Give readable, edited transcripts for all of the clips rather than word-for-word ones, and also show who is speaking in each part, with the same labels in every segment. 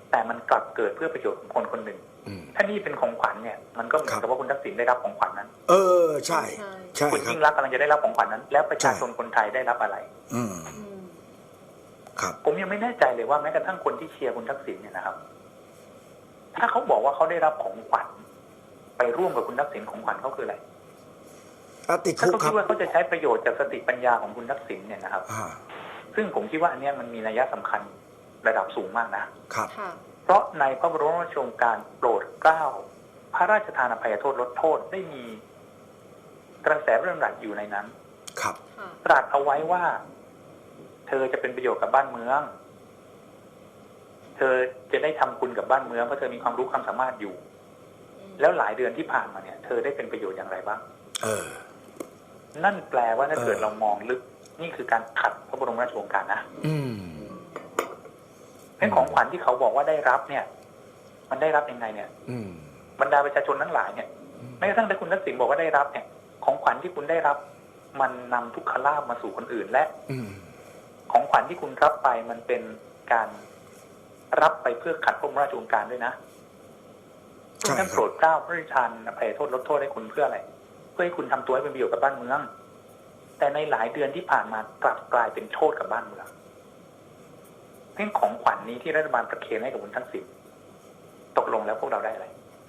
Speaker 1: แต่มันกลับเกิดเพื่อประโยชน์ของคนคนหนึ่งถ้านี่เป็นของขวัญเนี่ยมันก็เหมือนกับว่าคุณทักษิณได้รับของขวัญนั้น
Speaker 2: ใช่ใช่
Speaker 1: คุณยิ่งรักกำลังจะได้รับของขวัญนั้น แล้วประชาชนคนไทยได้รับอะไร
Speaker 2: ครับ
Speaker 1: ผมยังไม่แน่ใจเลยว่าแม้กระทั่งคนที่เชียร์คุณทักษิณเนี่ยนะครับถ้าเขาบอกว่าเขาได้รับของขวัญไปร่วมกับคุณทักษิณของขวัญเขาคืออะไร
Speaker 2: ติด
Speaker 1: ถ้า
Speaker 2: คุกครับ
Speaker 1: เขาคิดว่าเขาจะใช้ประโยชน์จากสติปัญญาของคุณทักษิณเนี่ยนะครับซึ่งผมคิดว่าอันนี้มันมีนัยสำคัญระดับสูงมากนะครับเพราะในพระบรมราชโองการโปรดเกล้าพระราชทานอภัยโทษลดโทษได้มีกระแสพระราชดำรัสอยู่ในนั้น
Speaker 2: ครับ
Speaker 1: ตรัสเอาไว้ว่าเธอจะเป็นประโยชน์กับบ้านเมืองเธอจะได้ทำคุณกับบ้านเมืองเพราะเธอมีความรู้ความสามารถอยู่แล้วหลายเดือนที่ผ่านมาเนี่ยเธอได้เป็นประโยชน์อย่างไรบ้างนั่นแปลว่าถ้าเกิดเรามองลึกนี่คือการขัดพระบรมราชโองการนะเป็นของขวัญที่เขาบอกว่าได้รับเนี่ยมันได้รับยังไงเนี่ยบรรดาประชาชนทั้งหลายเนี่ยแม้กระทั่งถ้าคุณทักษิณบอกว่าได้รับเนี่ยของขวัญที่คุณได้รับมันนำทุกขลาภมาสู่คนอื่นและของขวัญที่คุณรับไปมันเป็นการรับไปเพื่อขัดพระบรมราชโองการด้วยนะท่านโปรดเกล้าพระราชทานอภัยโทษลดโทษให้คุณเพื่ออะไรเพื่อให้คุณทำตัวให้เป็นประโยชน์กับบ้านเมืองแต่ในหลายเดือนที่ผ่านมากลับกลายเป็นโทษกับบ้านเมืองเรื่องของขวัญนี้ที่รัฐบาลประเคนให้กับคุณทักษิณตกลงแล้วพวกเราได้อะไร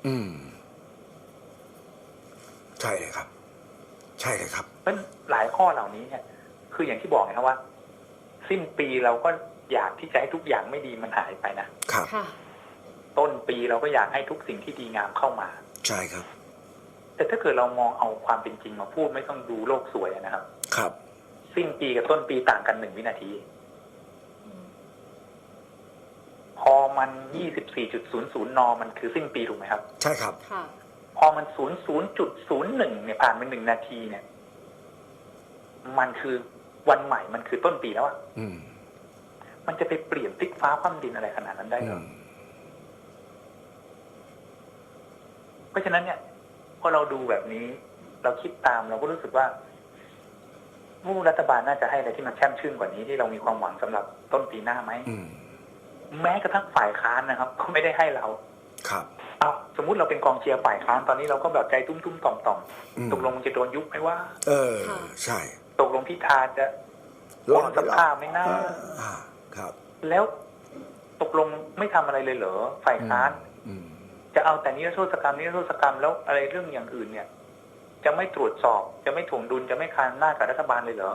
Speaker 2: ใช่เลยครับใช่เลยครับ
Speaker 1: เป็นหลายข้อเหล่านี้เนี่ยคืออย่างที่บอกนะครับว่าสิ้นปีเราก็อยากที่จะให้ทุกอย่างไม่ดีมันหายไปนะครับต้นปีเราก็อยากให้ทุกสิ่งที่ดีงามเข้ามา
Speaker 2: ใช่ครับ
Speaker 1: แต่ถ้าเกิดเรามองเอาความเป็นจริงมาพูดไม่ต้องดูโลกสวยนะครับ
Speaker 2: ครับ
Speaker 1: สิ้นปีกับต้นปีต่างกัน1 วินาทีพอมัน 24.00 น.มันคือสิ้นปีถูกไหมครับ
Speaker 2: ใช่ครับ
Speaker 1: พอมัน 00.01 เนี่ยผ่านไป1 นาทีเนี่ยมันคือวันใหม่มันคือต้นปีแล้วอ่ะมันจะไปเปลี่ยนพลิกฟ้าคว่ำดินอะไรขนาดนั้นได้หรอเพราะฉะนั้นเนี่ยพอเราดูแบบนี้เราคิดตามเราก็รู้สึกว่าผู้รัฐบาลน่าจะให้อะไรที่มันแช่มชื่นกว่านี้ที่เรามีความหวังสำหรับต้นปีหน้าไหมแม้กระทั่งฝ่ายค้านนะครับก็ไม่ได้ให้เรา
Speaker 2: ครับ
Speaker 1: สมมุติเราเป็นกองเชียร์ฝ่ายค้านตอนนี้เราก็แบบใจตุ้มๆต่อมๆตกลงจะโดนยุบไหมว่า
Speaker 2: ใช่
Speaker 1: ตกลงพิธาจะลงสภาไม่น่า
Speaker 2: ครับ
Speaker 1: แล้วตกลงไม่ทำอะไรเลยเหรอฝ่ายค้านจะเอาแต่นิรโทษกรรมแล้วอะไรเรื่องอย่างอื่นเนี่ยจะไม่ตรวจสอบจะไม่ถ่วงดุลจะไม่คานหน้ากับรัฐบาลเลยเหรอ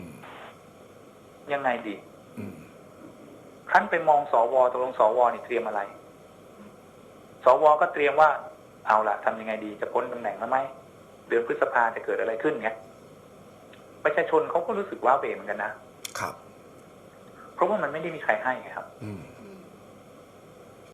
Speaker 1: ยังไงดีครั้นไปมองสวตกลงสวนี่เตรียมอะไรสวก็เตรียมว่าเอาล่ะทำยังไงดีจะพ้นตำแหน่งแล้วไหมเดือนพฤษภาจะเกิดอะไรขึ้นเนี่ยประชาชนเขาก็รู้สึกว่าเวเหมือนกันนะครับเพราะว่ามันไม่ได้มีใครให้ครับ